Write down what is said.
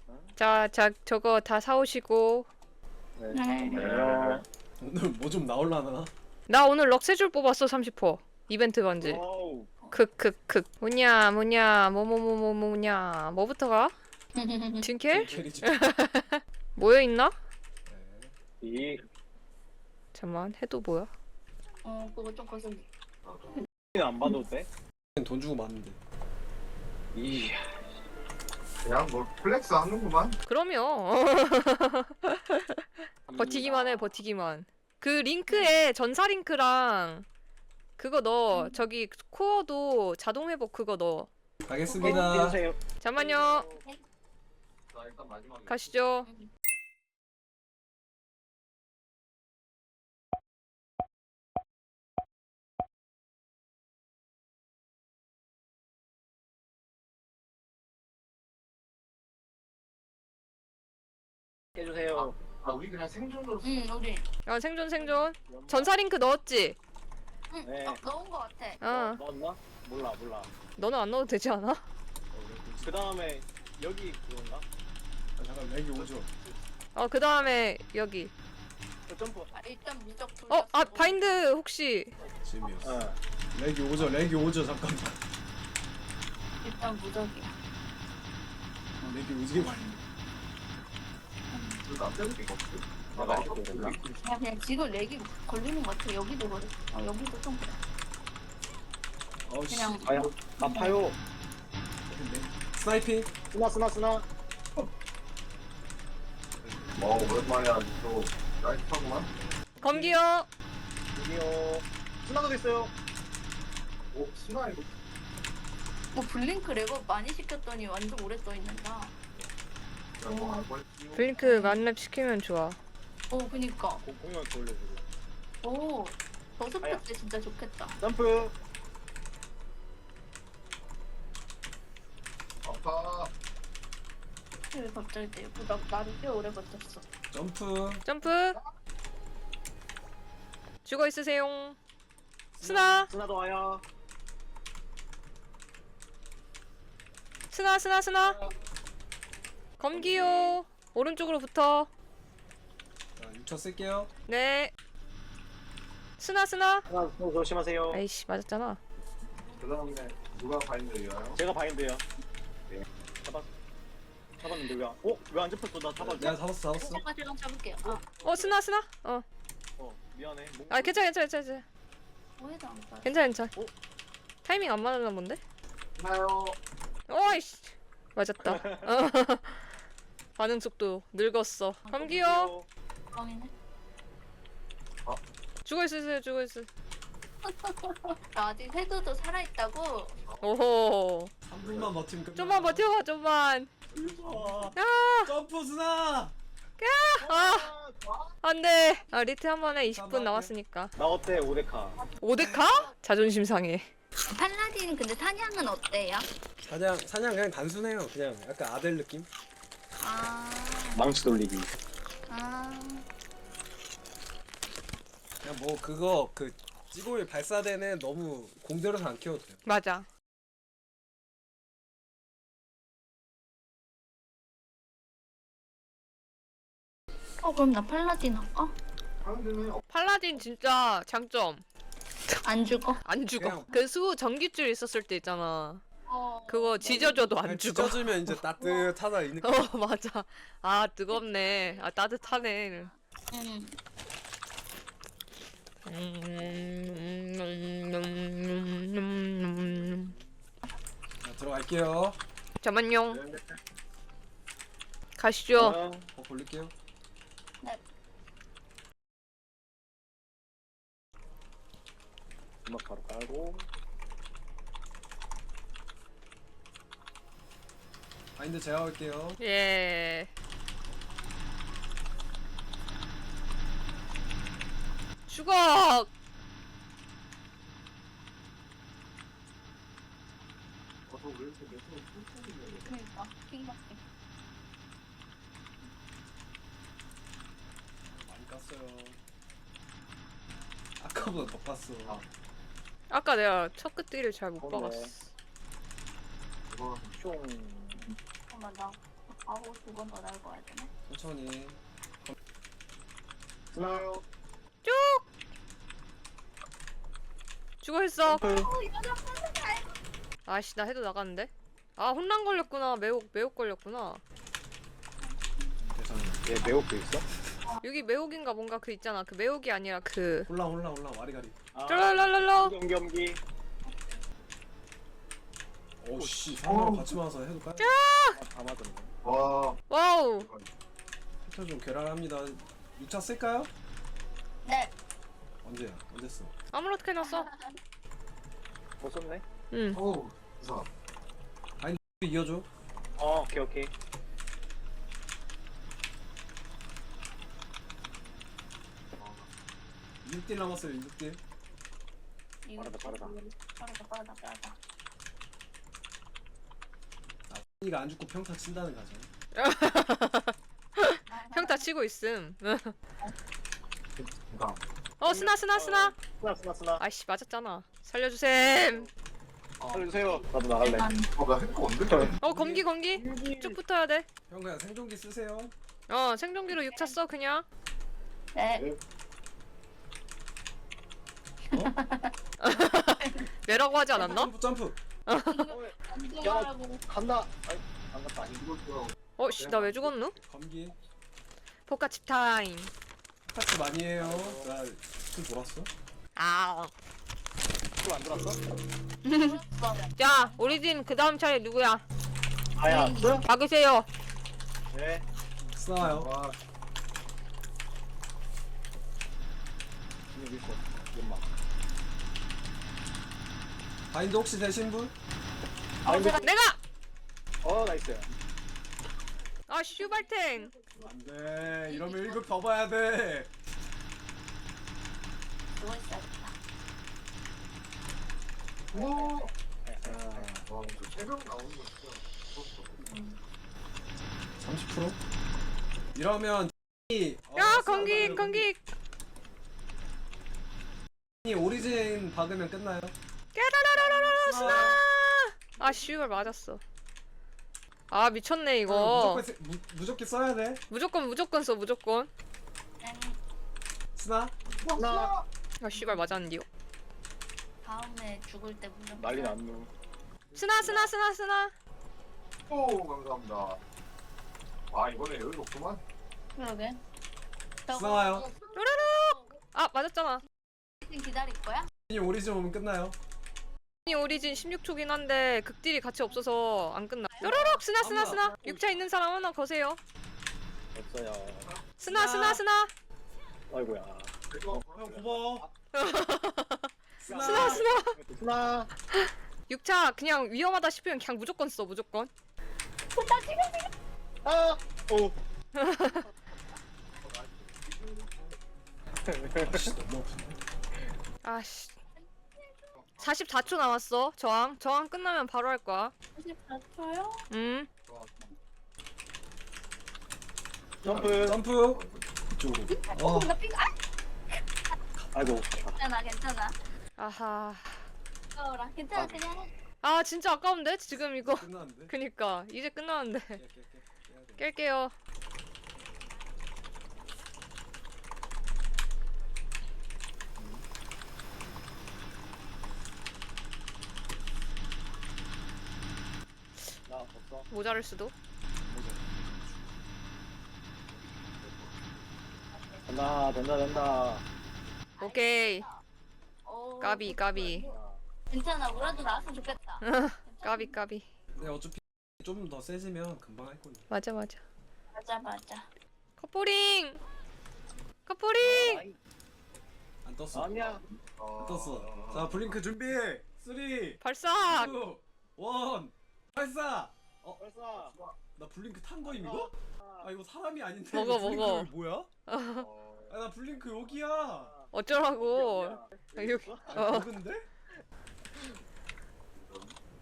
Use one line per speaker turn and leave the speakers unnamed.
자, 저거 다 사오시고.
네.
네.
잠깐만요.
오늘 뭐 좀 나올라나?
나 오늘 럭세줄 뽑았어 30%. 이벤트 반지.
와우.
크크크. 뭐냐 뭐냐 뭐부터 가? 틴켈?
캐리지.
모여 있나?
이
잠만 해도 뭐야?
그거 좀 거슬.
안 봐도 돼?
돈 주고 맞는데.
이
그냥 뭐 플렉스 하는구만.
그럼요. 버티기만 해 버티기만. 그 링크에 전사 링크랑 그거 넣어. 저기 코어도 자동 회복 그거 넣어.
가겠습니다.
해주세요.
잠만요.
자 일단 마지막에.
가시죠.
해주세요.
우리 그냥 생존으로.
우리.
생존. 전사 링크 넣었지?
네.
넣은 거 같아.
넣었나? 몰라.
너는 안 넣어도 되지 않아?
그 다음에 여기 그건가?
아, 잠깐 렉이 오죠.
그 다음에 여기.
점프.
일단 무적.
바인드 혹시.
재미없어.
어.
렉이 오죠. 잠깐만.
일단 무적이야.
렉이 오지게 걸려.
남자들 게 없어.
내가 이렇게 됐나?
그냥 지금 렉이 걸리는 것 같아. 여기도 그래. 여기도 좀 그래.
어씨.
그냥
아야. 아파요.
스나이핑.
쓰나.
오랜만이야. 또 라이트하구만.
검기요.
여기요. 쓰나도 있어요.
오 순아 이거.
블링크 레버 많이 시켰더니 완전 오래 떠 있는다.
블링크 만렙 시키면 좋아.
그니까.
공룡 돌려주고.
버스트
아야.
때 진짜 좋겠다.
점프.
아파.
왜 갑자기 때 나를 꽤 오래 버텼어.
점프.
죽어 있으세요. 스나.
쓰나도 와요.
스나. 검기요. 오른쪽으로 붙어.
자 6초 쓸게요.
네. 스나.
쓰나 조심하세요.
아이씨 맞았잖아.
그다음에 누가 바인드예요?
제가 바인드요.
네.
잡았는데 왜 안 잡혔어? 나 잡았지?
내가 잡았어.
잠깐 제가 잡을게요.
스나.
미안해.
괜찮아.
뭐해도 안 봐.
괜찮아.
어?
타이밍 안 맞았나 본데?
나요.
어이씨. 맞았다. 반응 속도 늙었어. 검기요.
뻥이네.
죽어 있으세요.
나 아직 헤드도 살아있다고.
오호.
3분만 버티면 끝나.
좀만 버텨봐. 좀만.
점프 스나.
안돼. 리트 한 번에 20분 남았으니까.
나 어때 오데카?
5대카? 자존심 상해.
팔라딘 근데 사냥은 어때요?
사냥 그냥 단순해요. 그냥 약간 아델 느낌.
망치 돌리기.
그냥 뭐 그거 그 찌골 발사대는 너무 공들여서 안 키워도 돼요.
맞아.
그럼 나 팔라딘 할까?
팔라딘 진짜 장점.
안 죽어?
안 죽어.
그냥-
그 수 전기줄 있었을 때 있잖아. 그거
네.
지져줘도 안
그냥
죽어.
찢어주면 이제 따뜻하다 이 느낌.
맞아. 뜨겁네. 따뜻하네.
응.
자, 들어갈게요.
잠만요. 가시죠.
돌릴게요.
음악 바로 깔고.
바인드 제가 할게요.
예. 죽어.
그러니까 킹받게.
많이 깠어요. 아까보다 더 깠어.
아까 내가 첫 끝뒤를 잘 못
그러네.
박았어.
슝.
잠깐만 나 하고 2번 더 날고 와야 되네.
천천히.
쓰나요?
죽어 있어.
점프.
아씨 나 해도 나갔는데. 아 혼란 걸렸구나. 매혹 걸렸구나.
괜찮아.
얘 매혹도 있어?
여기 매혹인가 뭔가 그 있잖아. 그 매혹이 아니라 그.
올라 와리가리.
아,
쫄랄랄랄라.
경기.
오씨 상대랑 같이 와서 해둘까요?
다 맞았네.
와.
와우.
패턴 좀 괴랄합니다. 6차 쓸까요?
네.
언제야? 언제 써?
아무렇게나 써.
못 썼네?
응.
어우. 이상.
이어줘.
오케이.
6딜 남았어요. 6딜.
빠르다.
빠르다.
이가 안 죽고 평타 친다는 가정.
평타 치고 있음.
이상.
스나.
쓰나.
아이씨 맞았잖아. 살려주셈.
살려주세요. 나도 나갈래.
나 햄코 언제 걸렸니?
검기 쭉 붙어야 돼.
형 그냥 생존기 쓰세요.
생존기로 6차 써 그냥.
네.
내라고 하지 않았나?
점프.
안정하라고.
간다. 아이, 안 갔다.
씨 나 왜 죽었누?
검기.
포카칩 타임.
파츠 많이 해요. 나좀 돌았어.
또안 들어왔어?
자 오리진 그 다음 차례 누구야?
아야.
박으세요.
네.
쓰나요?
와.
이거 밀고. 연막.
바인드 혹시 되신 분?
근데
내가.
나이스.
슈발탱.
안돼. 이러면 1급 더 봐야 돼.
누워 있어야겠다.
와. 와, 저 새벽 나오는 거 진짜 무섭어.
30%? 이러면
건기.
이 오리진 박으면 끝나요.
깨라라라라라 스나. 슈발 맞았어. 미쳤네 이거.
무조건 써야 돼.
무조건 써 무조건.
스나?
나
슈발 맞았는데요.
다음에 죽을 때 무조건.
난리 났노.
스나.
오, 감사합니다. 아, 이번에 여유 없구만.
그러게.
스나와요.
맞았잖아.
기다릴 거야?
이 오리진 오면 끝나요.
이 오리진 16초긴 한데 극딜이 같이 없어서 안 끝나. 뾰로록 스나. 6차 있는 사람 하나 거세요.
없어요.
스나.
아이고야.
형 고마워.
스나.
스나.
6차 그냥 위험하다 싶으면 그냥 무조건 써 무조건.
오.
아씨 너무 아픈데.
44초 남았어. 저항 끝나면 바로 할 거야.
44초요?
점프.
이쪽으로.
나 삐가.
아이고.
괜찮아.
아하.
아까워라. 괜찮아, 그냥.
진짜 아까운데 지금 이거.
끝났는데.
그니까 이제 끝나는데.
깨.
깰게요.
나 없어.
모자랄 수도.
된다.
오케이.
오,
까비.
괜찮아. 뭐라도 나왔으면 좋겠다.
까비.
근데 어차피 좀 더 세지면 금방 할 거니.
맞아.
맞아.
커플링.
안 떴어.
아니야.
안 떴어. 자 블링크 준비. 3, 2,
발사.
1. 발사.
벌써.
나 블링크 탄 거임 이거? 이거 사람이 아닌데.
먹어.
블링크 여기 뭐야? 나 블링크 여기야.
어쩌라고. 여기.
버그인데?